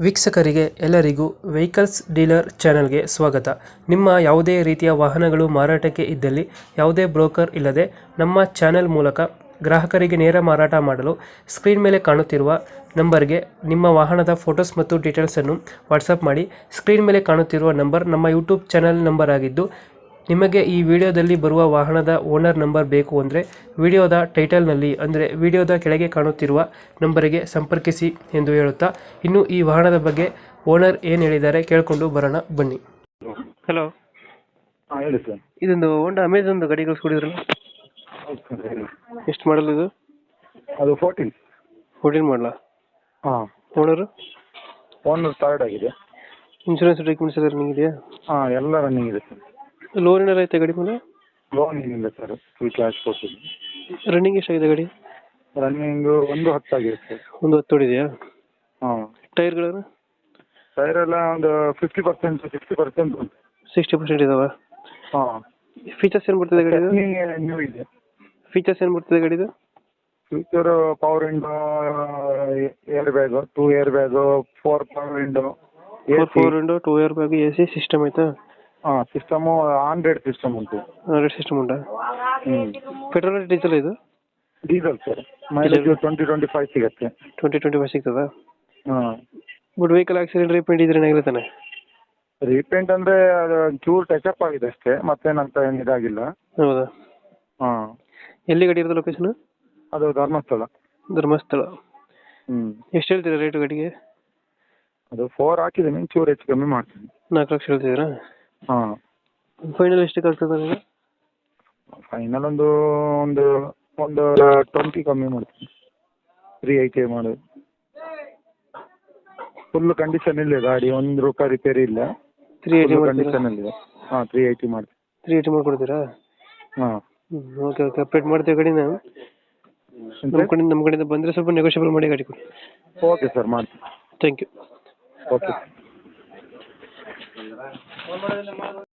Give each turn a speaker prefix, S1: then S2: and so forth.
S1: ವೀಕ್ಷಕರಿಗೆ ಎಲ್ಲರಿಗೂ vehicles dealer ಚಾನೆಲ್ಗೆ ಸ್ವಾಗತ. ನಿಮ್ಮ ಯಾವುದೇ ರೀತಿಯ ವಾಹನಗಳು ಮಾರಾಟಕ್ಕೆ ಇದ್ದಲ್ಲಿ ಯಾವುದೇ ಬ್ರೋಕರ್ ಇಲ್ಲದೆ ನಮ್ಮ ಚಾನೆಲ್ ಮೂಲಕ ಗ್ರಾಹಕರಿಗೆ ನೇರ ಮಾರಾಟ ಮಾಡಲು ಸ್ಕ್ರೀನ್ ಮೇಲೆ ಕಾಣುತ್ತಿರುವ ನಂಬರ್ಗೆ ನಿಮ್ಮ ವಾಹನದ ಫೋಟೋಸ್ ಮತ್ತು ಡೀಟೇಲ್ಸನ್ನು ವಾಟ್ಸಪ್ ಮಾಡಿ. ಸ್ಕ್ರೀನ್ ಮೇಲೆ ಕಾಣುತ್ತಿರುವ ನಂಬರ್ ನಮ್ಮ ಯೂಟ್ಯೂಬ್ ಚಾನೆಲ್ ನಂಬರ್ ಆಗಿದ್ದು, ನಿಮಗೆ ಈ ವಿಡಿಯೋದಲ್ಲಿ ಬರುವ ವಾಹನದ ಓನರ್ ನಂಬರ್ ಬೇಕು ಅಂದರೆ ವಿಡಿಯೋದ ಟೈಟಲ್ನಲ್ಲಿ ಅಂದರೆ ವಿಡಿಯೋದ ಕೆಳಗೆ ಕಾಣುತ್ತಿರುವ ನಂಬರಿಗೆ ಸಂಪರ್ಕಿಸಿ ಎಂದು ಹೇಳುತ್ತಾ, ಇನ್ನು ಈ ವಾಹನದ ಬಗ್ಗೆ ಓನರ್ ಏನು ಹೇಳಿದ್ದಾರೆ ಕೇಳಿಕೊಂಡು ಬರೋಣ ಬನ್ನಿ. ಹಲೋ,
S2: ಹಾಂ ಹೇಳಿ ಸರ್.
S1: ಇದೊಂದು ಹೋಂಡಾ ಅಮೆಜಾನ್ ಗಾಡಿ ಕಳಿಸ್ಕೊಡಿದ್ರಲ್ಲ,
S2: ಹೌದು ಸರ್ ಹೇಳಿ.
S1: ಎಷ್ಟು ಮಾಡಲ್ ಇದು?
S2: ಅದು 14
S1: ಮಾಡಲ.
S2: ಹಾಂ.
S1: ಓನರು?
S2: ಓನರ್ ಥರ್ಡ್ ಆಗಿದೆ.
S1: ಇನ್ಶೂರೆನ್ಸ್ ಡಾಕ್ಯುಮೆಂಟ್ಸ್ ಎಲ್ಲ ರನ್ನಿಂಗ್ ಇದೆಯಾ?
S2: ಹಾಂ ಎಲ್ಲ ರನ್ನಿಂಗ್ ಇದೆ ಸರ್.
S1: ಲೋನ್ ಏನಾರು ಐತೆ ಗಾಡಿ ಮೇಲೆ?
S2: ಲೋನ್ ಏನಿಲ್ಲ ಸರ್, ಫುಲ್ ಕ್ಯಾಶ್ ಕೊಡ್ತೀನಿ.
S1: ರನ್ನಿಂಗ್ ಎಷ್ಟಾಗಿದೆ ಗಾಡಿ?
S2: ರನ್ನಿಂಗು 110 ಆಗಿದೆ ಸರ್.
S1: ಒಂದು 10 ಹೊಡಿದೆಯಾ?
S2: ಹಾಂ.
S1: ಟೈರ್ಗಳನ್ನು?
S2: ಟೈರ್ ಎಲ್ಲ ಒಂದು 50% 60% ಉಂಟು.
S1: 60% ಇದಾವೆ.
S2: ಹಾಂ.
S1: ಫೀಚರ್ಸ್ ಏನು ಬರ್ತದೆ ಗಾಡಿದು?
S2: ನ್ಯೂ ಇದೆ.
S1: ಫೀಚರ್ಸ್ ಏನು ಬರ್ತದೆ ಗಾಡಿದು?
S2: Future power window, air bag, 2 air bag, 4 power window,
S1: 4 window, 2 air bag, AC system ಆಯ್ತಾ?
S2: ಹಾಂ. ಸಿಸ್ಟಮು ಆಂಡ್ರಾಯ್ಡ್ ಸಿಸ್ಟಮ್ ಉಂಟು.
S1: ಆಂಡ್ರಾಯ್ಡ್ ಸಿಸ್ಟಮ್ ಉಂಟಾ?
S2: ಹ್ಞೂ.
S1: ಪೆಟ್ರೋಲ್ ಡೀಸೆಲ್ ಇದು?
S2: Diesel sir. ಮೈಲೇಜ್ 20-25 ಸಿಗುತ್ತೆ.
S1: 20-25 ಸಿಗ್ತದಾ?
S2: ಹಾಂ.
S1: ಬಟ್ ವೆಹಿಕಲ್ ಆಕ್ಸಿಡೆಂಟ್ ರೀಪೇಂಟ್ ಇದ್ರೆ ಏನಾಗಿರ್ತಾನೆ?
S2: ರೀಪೇಂಟ್ ಅಂದರೆ ಅದು ಚೂರು ಟಚಪ್ ಆಗಿದೆ ಅಷ್ಟೇ, ಮತ್ತೇನಂತ ಏನು ಇದಾಗಿಲ್ಲ.
S1: ಹೌದಾ?
S2: ಹಾಂ.
S1: ಎಲ್ಲಿ ಗಾಡಿ ಇರೋದು ಲೊಕೇಶನ್?
S2: ಅದು ಧರ್ಮಸ್ಥಳ.
S1: ಧರ್ಮಸ್ಥಳ.
S2: ಹ್ಞೂ.
S1: ಎಷ್ಟು ಹೇಳ್ತೀರಾ ರೇಟು ಗಾಡಿಗೆ?
S2: ಅದು 4 ಹಾಕಿದ್ದೀನಿ, ಚೂರು ಹೆಚ್ಚು ಕಮ್ಮಿ ಮಾಡ್ತೀನಿ.
S1: 4 ಲಕ್ಷ ಹೇಳ್ತಿದ್ದೀರಾ?
S2: ಹಾಂ.
S1: ಫೈನಲ್ ಎಷ್ಟಕ್ಕೆ ಆಗ್ತದೆ ನನಗೆ?
S2: ಫೈನಲ್ ಒಂದು 20 ಕಮ್ಮಿ ಮಾಡ್ತೀನಿ. 380 ಮಾಡೋದು. ಫುಲ್ ಕಂಡೀಷನ್ ಇಲ್ಲ ಗಾಡಿ, ಒಂದು ರೂಪಾಯಿ ರಿಪೇರಿ ಇಲ್ಲ.
S1: 380
S2: ಕಂಡೀಷನಲ್ಲಿದೆ. ಹಾಂ, 380 ಮಾಡ್ತೀನಿ.
S1: 380 ಮಾಡ್ಕೊಡ್ತೀರಾ?
S2: ಹಾಂ.
S1: ಓಕೆ ಓಕೆ, ಅಪ್ಡೇಟ್ ಮಾಡ್ತೀವಿ ಗಾಡಿನ. ನಮ್ಮ ಕಡೆಯಿಂದ ಬಂದರೆ ಸ್ವಲ್ಪ ನೆಗೋಷಿಯಬಲ್ ಮಾಡಿ ಗಾಡಿ ಕೊಡಿ.
S2: ಓಕೆ ಸರ್, ಮಾಡ್ತೀನಿ.
S1: Thank you.
S2: ಓಕೆ.